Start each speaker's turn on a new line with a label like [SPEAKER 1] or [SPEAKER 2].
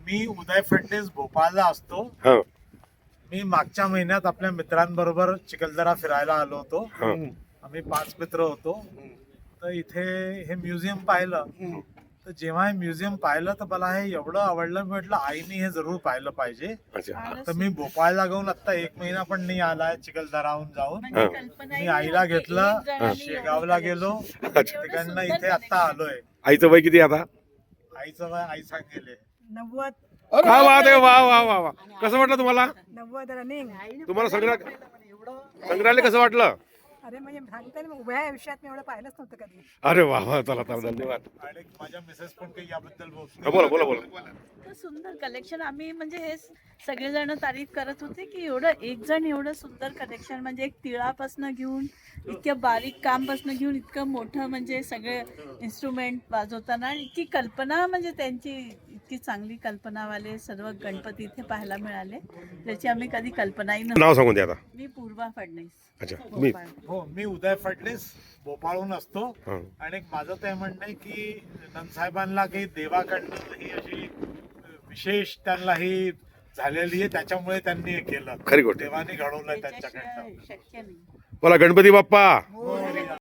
[SPEAKER 1] मी उदय फडणीस भोपाळला असतो.
[SPEAKER 2] हा
[SPEAKER 1] मी मागच्या महिन्यात आपल्या मित्रांबरोबर चिखलदरा फिरायला आलो होतो.
[SPEAKER 2] हा
[SPEAKER 1] आम्ही 5 मित्र होतो. तर इथे हे म्युझियम पाहिलं. तर जेव्हा हे म्युझियम पाहिलं तर मला हे एवढं आवडलं. मी म्हटलं आईने हे जरूर पाहिलं पाहिजे.
[SPEAKER 2] अच्छा
[SPEAKER 1] तर मी भोपाळला जाऊन आता 1 महिना पण नाही आलाय चिखलदराहून जाऊन. मी आईला घेतलं, शेगावला गेलो, तिकडनं इथे आता आलोय.
[SPEAKER 2] आईचं वय किती आता?
[SPEAKER 1] आईचं वय आई सांगेल
[SPEAKER 3] 90
[SPEAKER 2] काय बात आहे, वा वा वा वा. कसं वाटलं तुम्हाला?
[SPEAKER 3] 90 रनिंग.
[SPEAKER 2] तुम्हाला संग्रहालय कसं वाटलं?
[SPEAKER 3] अरे म्हणजे सांगते ना, उभ्या आयुष्यात मी एवढं पाहिलंच नव्हतं कधी.
[SPEAKER 2] अरे वा वा, चला चला, धन्यवाद.
[SPEAKER 1] आणि माझ्या मिसेस पण काही याबद्दल
[SPEAKER 2] हा, बोला बोला बोला.
[SPEAKER 4] इतकं सुंदर कलेक्शन. आम्ही म्हणजे हे सगळेजण तारीफ करत होते की एवढं एक जण एवढं सुंदर कलेक्शन, म्हणजे एक तिळापासनं घेऊन इतक्या बारीक कामपासनं घेऊन इतकं मोठं, म्हणजे सगळे इन्स्ट्रुमेंट वाजवताना इतकी कल्पना, म्हणजे त्यांची इतकी चांगली कल्पनावाले सर्व गणपती इथे पाहायला मिळाले, ज्याची आम्ही कधी कल्पनाही
[SPEAKER 2] नाव
[SPEAKER 4] नव्हती.
[SPEAKER 2] सांगून द्या आता.
[SPEAKER 4] मी पूर्वा फडणीस.
[SPEAKER 2] अच्छा, मी
[SPEAKER 4] भोपाळ.
[SPEAKER 1] हो, मी उदय फडणीस भोपाळहून असतो.
[SPEAKER 2] हा.
[SPEAKER 1] आणि माझं ते म्हणणं आहे की नंदसाहेबांना काही देवाकडनं ही अशी विशेष त्यांना ही झालेली आहे, त्याच्यामुळे त्यांनी हे केलं.
[SPEAKER 2] खरी गोष्ट.
[SPEAKER 1] देवाने घडवलंय त्यांच्याकडनं.
[SPEAKER 4] त्याच्याशिवाय शक्य नाही.
[SPEAKER 2] बोला गणपती बाप्पा.